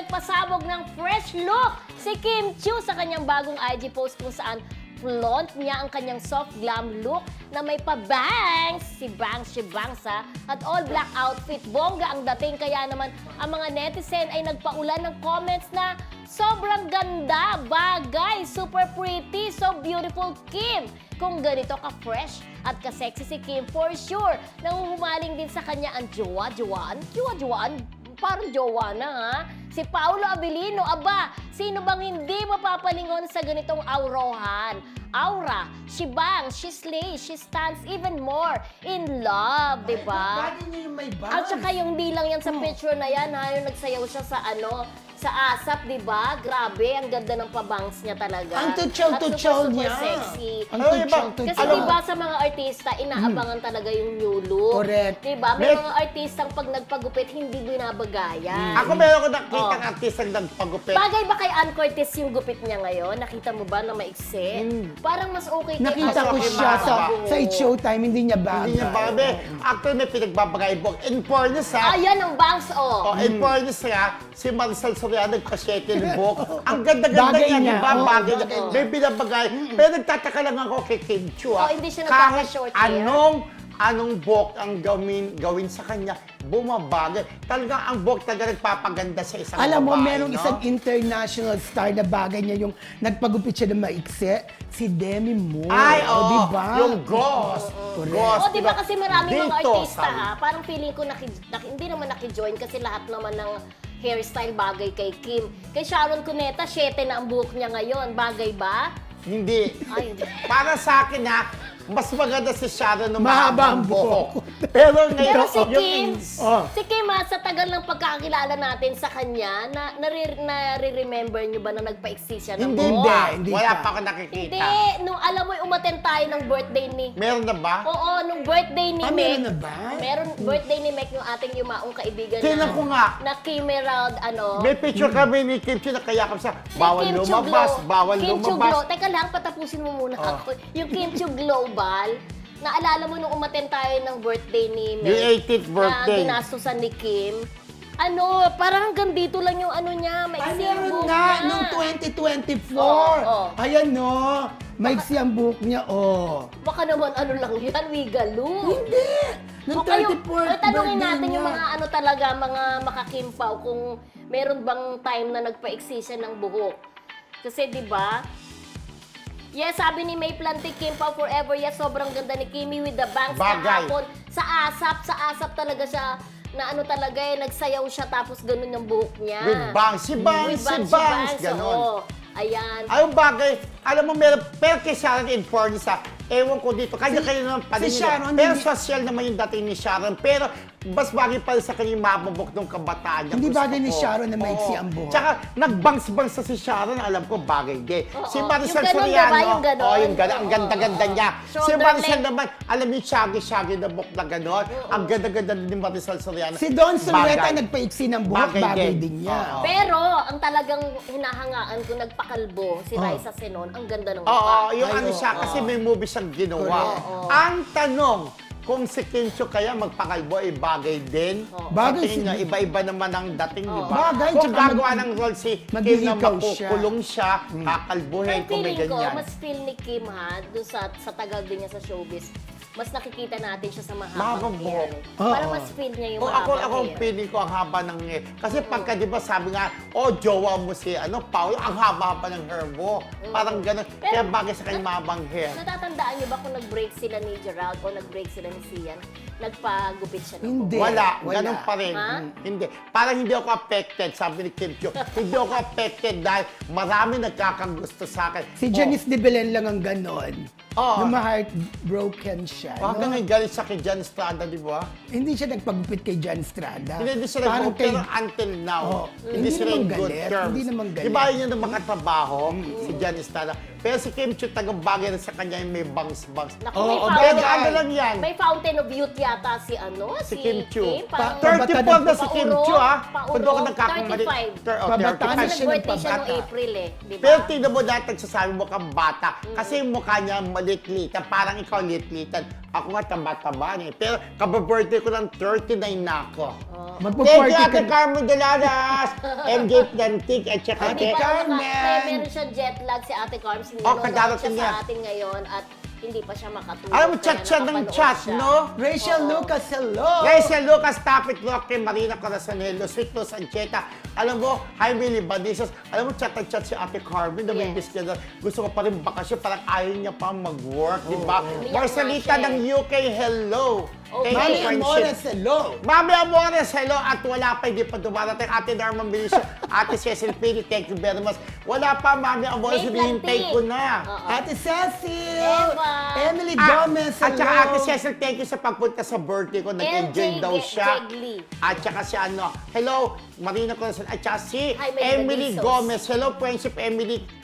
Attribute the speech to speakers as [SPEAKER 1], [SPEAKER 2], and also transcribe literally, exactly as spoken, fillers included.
[SPEAKER 1] nagpasabog ng fresh look si Kim Chiu sa kanyang bagong I G post kung saan flaunt niya ang kanyang soft glam look na may pa-bangs, si Bangs, si Bangsa, at all-black outfit. Bongga ang dating, kaya naman ang mga netizen ay nagpaulan ng comments na sobrang ganda, bagay, super pretty, so beautiful, Kim. Kung ganito ka-fresh at ka-sexy si Kim, for sure, nanguhumaling din sa kanya ang jowa-jowaan, jowa-jowaan, parang jowa na ha. Si Paolo Abilino, aba, sino bang hindi mapapalingon sa ganitong aurohan? Aura, she bangs, she slays, she stands even more in love, di ba?
[SPEAKER 2] Bagay niya yung may bangs.
[SPEAKER 1] At saka yung di lang yan sa
[SPEAKER 2] Oh.
[SPEAKER 1] picture na yan, ha, yung nagsayaw siya sa ano, sa ASAP, di ba? Grabe, ang ganda ng pabangs niya talaga.
[SPEAKER 2] Ang tutsaw-tutsaw
[SPEAKER 1] At super,
[SPEAKER 2] niya.
[SPEAKER 1] super sexy.
[SPEAKER 2] Ang
[SPEAKER 3] Ay, iba.
[SPEAKER 2] tutsaw-tutsaw.
[SPEAKER 1] Kasi di ba sa mga artista, inaabangan talaga yung new look.
[SPEAKER 2] Correct.
[SPEAKER 1] Di ba? May
[SPEAKER 3] May-
[SPEAKER 1] mga artistang pag nagpagupit, hindi binabagayan.
[SPEAKER 3] Ako meron ko nakita ng
[SPEAKER 1] Oh.
[SPEAKER 3] artistang nagpagupit.
[SPEAKER 1] Bagay ba kay Ann Curtis yung gupit niya ngayon? Nakita mo ba na maiksi? Parang mas okay kay
[SPEAKER 2] Nakita
[SPEAKER 1] Ann
[SPEAKER 2] ko
[SPEAKER 1] Curtis.
[SPEAKER 2] siya sa,
[SPEAKER 1] Oo.
[SPEAKER 2] sa It's Showtime, hindi niya bagay.
[SPEAKER 3] Hindi niya babe. Actually, may pinagbabagay buhok. In fairness ha,
[SPEAKER 1] Ayan ang bangs, oh.
[SPEAKER 3] oh, in fairness ha, si Maricel Soriano nagpa-shake yung buhok. Ang ganda-ganda
[SPEAKER 2] Bagay
[SPEAKER 3] niya,
[SPEAKER 2] niya.
[SPEAKER 3] di ba?
[SPEAKER 2] Oo,
[SPEAKER 3] Bagay
[SPEAKER 2] bagay.
[SPEAKER 3] niya. May binabagay. Pero nagtataka lang ako kay Kim Chiu ha.
[SPEAKER 1] Oh, hindi siya
[SPEAKER 3] Kahit
[SPEAKER 1] nagpapa-short hair.
[SPEAKER 3] anong anong buhok ang gawin, gawin sa kanya, bumabagay. Talaga ang buhok talaga nagpapaganda sa isang
[SPEAKER 2] Alam mo,
[SPEAKER 3] babae,
[SPEAKER 2] merong
[SPEAKER 3] no?
[SPEAKER 2] isang international star na bagay niya yung nagpagupit siya ng maiksi, si Demi Moore.
[SPEAKER 3] Ay,
[SPEAKER 2] O,
[SPEAKER 3] oo.
[SPEAKER 2] di ba?
[SPEAKER 3] Yung Ghost.
[SPEAKER 2] Correct.
[SPEAKER 3] Ghost,
[SPEAKER 1] Oh, di ba kasi maraming mga
[SPEAKER 3] Dito,
[SPEAKER 1] artista
[SPEAKER 3] sabi.
[SPEAKER 1] ha, parang feeling ko naki, naki, hindi naman naki-join kasi lahat naman ng hairstyle bagay kay Kim. Kay Sharon Cuneta, syete na ang buhok niya ngayon. Bagay ba?
[SPEAKER 3] Hindi.
[SPEAKER 1] Ay, hindi.
[SPEAKER 3] Para sa akin ha, mas maganda si Sharon ng
[SPEAKER 2] Mahaba ang
[SPEAKER 3] mahabang buhok.
[SPEAKER 2] buhok.
[SPEAKER 3] Pero ngayon,
[SPEAKER 1] Pero si
[SPEAKER 3] yung-
[SPEAKER 1] Kim,
[SPEAKER 2] Oh.
[SPEAKER 1] si Kim ha, sa tagal ng pagkakakilala natin sa kanya, na, nare, nare-remember niyo ba na nagpa-exist siya ng
[SPEAKER 3] Hindi,
[SPEAKER 1] buhok?
[SPEAKER 2] hindi
[SPEAKER 3] Wala
[SPEAKER 2] pa.
[SPEAKER 3] pa ako nakikita.
[SPEAKER 1] Hindi. Nung alam mo, umaten tayo ng birthday ni...
[SPEAKER 3] Meron na ba?
[SPEAKER 1] Oo, nung birthday ni
[SPEAKER 2] Ah,
[SPEAKER 1] Meg.
[SPEAKER 2] meron na ba?
[SPEAKER 1] Meron birthday ni Meg, yung ating yumaong kaibigan
[SPEAKER 3] Tingnan
[SPEAKER 1] na...
[SPEAKER 3] ko nga.
[SPEAKER 1] Na Kim Herald, ano...
[SPEAKER 3] May picture kami ni Kim Chiu na kaya kami sa
[SPEAKER 1] Ni
[SPEAKER 3] bawal
[SPEAKER 1] Kim Chiu
[SPEAKER 3] lumabas,
[SPEAKER 1] Glo-
[SPEAKER 3] bawal
[SPEAKER 1] Kim Chiu Glo-
[SPEAKER 3] lumabas.
[SPEAKER 1] Teka lang, patapusin mo muna
[SPEAKER 3] Oh.
[SPEAKER 1] ako. Yung Kim Chiu Global, naalala mo nung umaten tayo ng birthday ni Meg?
[SPEAKER 3] Yung eighteenth birthday.
[SPEAKER 1] Na ginastusan ni Kim. Ano, parang hanggang dito lang yung ano niya, may
[SPEAKER 2] Ay,
[SPEAKER 1] iksi ang
[SPEAKER 2] meron
[SPEAKER 1] buhok
[SPEAKER 2] nga,
[SPEAKER 1] niya.
[SPEAKER 2] nung twenty twenty-four.
[SPEAKER 1] Oo, oo.
[SPEAKER 2] Ayan, no. Maiksi ang buhok niya, oh.
[SPEAKER 1] Baka naman ano lang yan, wigaloo.
[SPEAKER 2] Hindi. Nung
[SPEAKER 1] O kayo,
[SPEAKER 2] thirty-fourth
[SPEAKER 1] o tanungin
[SPEAKER 2] birthday
[SPEAKER 1] natin
[SPEAKER 2] niya.
[SPEAKER 1] yung mga ano talaga, mga makakimpaw, kung meron bang time na nagpa-exist siya ng buhok. Kasi di ba? Yes, sabi ni May Plante, Kimpaw forever. Yes, sobrang ganda ni Kimi with the bangs
[SPEAKER 3] Bagay.
[SPEAKER 1] kahapon. Sa asap, sa asap talaga siya, na ano talaga eh, nagsayaw siya tapos ganun yung buhok niya.
[SPEAKER 3] With bangs, si bangs,
[SPEAKER 1] With
[SPEAKER 3] si
[SPEAKER 1] bangs,
[SPEAKER 3] bangs,
[SPEAKER 1] bangs,
[SPEAKER 3] ganon.
[SPEAKER 1] oo. Ayan.
[SPEAKER 3] Ayong bagay, alam mo, meron, pero kay Sharon in fairness ha, ewan ko dito, kanya-kanya naman pa
[SPEAKER 2] si
[SPEAKER 3] rin yun.
[SPEAKER 2] Sharon,
[SPEAKER 3] Pero
[SPEAKER 2] hindi-
[SPEAKER 3] social naman yung dating ni Sharon, pero mas bagay pa rin sa kanyang mabubok ng kabataan niya.
[SPEAKER 2] Hindi
[SPEAKER 3] Gusto
[SPEAKER 2] bagay ni
[SPEAKER 3] ko.
[SPEAKER 2] Sharon na maiksi
[SPEAKER 3] Oo.
[SPEAKER 2] ang buhok.
[SPEAKER 3] Tsaka, nagbangs-bangs sa si Sharon, alam ko, bagay din.
[SPEAKER 1] Oo.
[SPEAKER 3] Si Maricel
[SPEAKER 1] Yung ganon,
[SPEAKER 3] Soriano,
[SPEAKER 1] diba? Yung ganon.
[SPEAKER 3] oh, yung ganon, ang
[SPEAKER 1] Oo,
[SPEAKER 3] ganda-ganda
[SPEAKER 1] oo.
[SPEAKER 3] niya. Si
[SPEAKER 1] Shoulder
[SPEAKER 3] Maricel
[SPEAKER 1] length.
[SPEAKER 3] naman, alam niyo, shaggy-shaggy na buhok na ganon. Ang ganda-ganda din ni Maricel Soriano.
[SPEAKER 2] Si Don Soleta
[SPEAKER 3] Bagay.
[SPEAKER 2] nagpaiksi ng buhok,
[SPEAKER 3] Bagay
[SPEAKER 2] bagay,
[SPEAKER 3] din.
[SPEAKER 2] din niya.
[SPEAKER 3] Oo.
[SPEAKER 1] Pero, ang talagang hinahangaan ko, nagpakalbo, si
[SPEAKER 2] Oh.
[SPEAKER 1] Raisa Senon, ang ganda ng
[SPEAKER 3] Oo,
[SPEAKER 1] mukha.
[SPEAKER 3] yung
[SPEAKER 2] Ay,
[SPEAKER 3] ano siya,
[SPEAKER 2] oo.
[SPEAKER 3] kasi may movie siyang ginawa.
[SPEAKER 1] Oo.
[SPEAKER 3] Ang tanong, kung si Kim Chiu kaya magpakalbo ay bagay din.
[SPEAKER 1] Oo.
[SPEAKER 2] Bagay
[SPEAKER 3] Sa tingin
[SPEAKER 2] si-
[SPEAKER 3] nga, iba-iba naman ang dating, di
[SPEAKER 1] Oo.
[SPEAKER 3] ba?
[SPEAKER 2] Bagay,
[SPEAKER 3] Kung
[SPEAKER 2] tsaka
[SPEAKER 3] gagawa
[SPEAKER 2] mag-
[SPEAKER 3] ng role si Kim na
[SPEAKER 2] maghihikaw siya.
[SPEAKER 3] makukulong siya, kakalbuhin,
[SPEAKER 1] Pero
[SPEAKER 3] kung may
[SPEAKER 1] feeling ko,
[SPEAKER 3] ganyan.
[SPEAKER 1] mas feel ni Kim ha, doon sa, sa tagal din niya sa showbiz, mas nakikita natin siya sa mahabang
[SPEAKER 3] Mahabang
[SPEAKER 1] hair.
[SPEAKER 3] buhok.
[SPEAKER 2] Oo.
[SPEAKER 1] Parang mas feel niya yung
[SPEAKER 3] O ako,
[SPEAKER 1] mahabang
[SPEAKER 3] ako
[SPEAKER 1] hair.
[SPEAKER 3] feeling ko ang haba ng hair. Kasi pagka, di ba, sabi nga, oh, jowa mo si, ano, Paolo, ang haba-haba ng hair mo. Parang gano'n.
[SPEAKER 1] Pero-
[SPEAKER 3] Kaya bagay sa kanyang mahabang hair.
[SPEAKER 1] Natatandaan niyo ba kung nag-break sila ni Gerald o nag-break sila ni Sian, nagpagupit siya ng
[SPEAKER 2] Hindi.
[SPEAKER 1] buhok?
[SPEAKER 3] Wala,
[SPEAKER 2] Wala.
[SPEAKER 3] ganun pa rin.
[SPEAKER 1] Ha?
[SPEAKER 3] Mm, Hindi. Parang hindi ako affected, sabi ni Kim Chiu. Hindi ako affected dahil marami nagkakagusto sa akin.
[SPEAKER 2] Si Janice de Belen lang ang ganon.
[SPEAKER 3] Oo.
[SPEAKER 2] Na ma-heartbroken siya.
[SPEAKER 3] Oh,
[SPEAKER 2] no?
[SPEAKER 3] hanggang ngayon galit siya kay Jan Estrada, di ba?
[SPEAKER 2] Hindi siya nagpagupit kay Jan Estrada.
[SPEAKER 3] Hindi, hindi siya
[SPEAKER 2] Parang
[SPEAKER 3] nag pero
[SPEAKER 2] kay-
[SPEAKER 3] until now,
[SPEAKER 2] Oo.
[SPEAKER 3] hindi
[SPEAKER 2] Hindi
[SPEAKER 3] sila
[SPEAKER 2] naman
[SPEAKER 3] in good
[SPEAKER 2] galit,
[SPEAKER 3] terms.
[SPEAKER 2] hindi naman galit.
[SPEAKER 3] Di ba yun yung makatrabaho, si Jan Estrada? Pero si Kim Chiu, tagabagay na sa kanya yung may bangs-bangs.
[SPEAKER 1] Naku,
[SPEAKER 2] Oo,
[SPEAKER 1] may
[SPEAKER 2] oo,
[SPEAKER 1] fountain.
[SPEAKER 3] pero ano lang yan?
[SPEAKER 1] May fountain of youth yata si ano,
[SPEAKER 3] Si
[SPEAKER 1] si,
[SPEAKER 3] Kim Chiu.
[SPEAKER 1] Parang-
[SPEAKER 2] Pa-
[SPEAKER 3] thirty-four na si Kim
[SPEAKER 1] Paurong,
[SPEAKER 3] Chiu, ha?
[SPEAKER 1] paurong,
[SPEAKER 3] Kung doon ka nagkakamali.
[SPEAKER 1] thirty-five.
[SPEAKER 3] Thir- oh,
[SPEAKER 2] Pabataan
[SPEAKER 1] Kasi
[SPEAKER 2] na
[SPEAKER 3] thirty-five.
[SPEAKER 2] siya ng
[SPEAKER 1] nag-birthday siya noong
[SPEAKER 2] pabata.
[SPEAKER 1] April eh, di ba?
[SPEAKER 3] Pero tingnan mo dahil nagsasabi mo kang bata. Kasi yung mukha niya malit-litan. Parang ikaw lit-litan. Ako nga taba-taba eh. Pero kababirthday ko lang thirty-nine na ako. Thank
[SPEAKER 2] Magpo-forty
[SPEAKER 3] you, Ate
[SPEAKER 2] ka.
[SPEAKER 3] Carmen Deladas, M J Plantig, at saka
[SPEAKER 1] Hindi
[SPEAKER 3] Ate...
[SPEAKER 1] pa
[SPEAKER 2] Carmen!
[SPEAKER 1] naka, may meron siyang jet lag si Ate Carmen.
[SPEAKER 3] Oh,
[SPEAKER 1] Nanonood
[SPEAKER 3] kadarating
[SPEAKER 1] siya
[SPEAKER 3] niya.
[SPEAKER 1] sa atin ngayon at hindi pa siya makatulog.
[SPEAKER 3] Alam mo,
[SPEAKER 1] kaya
[SPEAKER 3] chat siya ng
[SPEAKER 1] nakapanood
[SPEAKER 3] chat,
[SPEAKER 1] siya.
[SPEAKER 3] no?
[SPEAKER 2] Rachel
[SPEAKER 1] Oo.
[SPEAKER 2] Lucas, hello!
[SPEAKER 3] Rachel Lucas, Tapit Roque, Marina Corazonello, Sweet Luz Ancheta. Alam mo, Jaime Libanizos. Alam mo, chat at chat si Ate Carmen na may
[SPEAKER 1] Yes.
[SPEAKER 3] miss niya na gusto ko pa rin bakasyon. Parang ayaw niya pa mag-work, di ba?
[SPEAKER 1] Umiyak
[SPEAKER 3] Marcelita
[SPEAKER 1] nga siya
[SPEAKER 3] ng
[SPEAKER 1] eh.
[SPEAKER 3] U K, hello!
[SPEAKER 1] Okay.
[SPEAKER 3] Thank
[SPEAKER 2] Mami
[SPEAKER 3] you,
[SPEAKER 2] Amores,
[SPEAKER 3] friendship.
[SPEAKER 2] hello!
[SPEAKER 3] Mami Amores, hello! At wala pa, hindi pa dumarating. Ate Norman Benicio, Ate Cecil Pini, thank you very much. Wala pa, Mami Amores,
[SPEAKER 1] May
[SPEAKER 3] hinihintay
[SPEAKER 1] planting.
[SPEAKER 3] ko na.
[SPEAKER 1] Oo.
[SPEAKER 2] Ate Cecil!
[SPEAKER 1] Eva.
[SPEAKER 2] Emily
[SPEAKER 3] Ah,
[SPEAKER 2] Gomez,
[SPEAKER 3] at saka
[SPEAKER 2] hello!
[SPEAKER 3] Ate Cecil, thank you sa pagpunta sa birthday ko. Nag-enjoy
[SPEAKER 1] L J
[SPEAKER 3] daw siya.
[SPEAKER 1] Jegli.
[SPEAKER 3] At saka si ano, hello, Marina Corazon. At saka si
[SPEAKER 1] Hi, may
[SPEAKER 3] Emily
[SPEAKER 1] Benedizos.
[SPEAKER 3] Gomez. Hello, friendship Emily.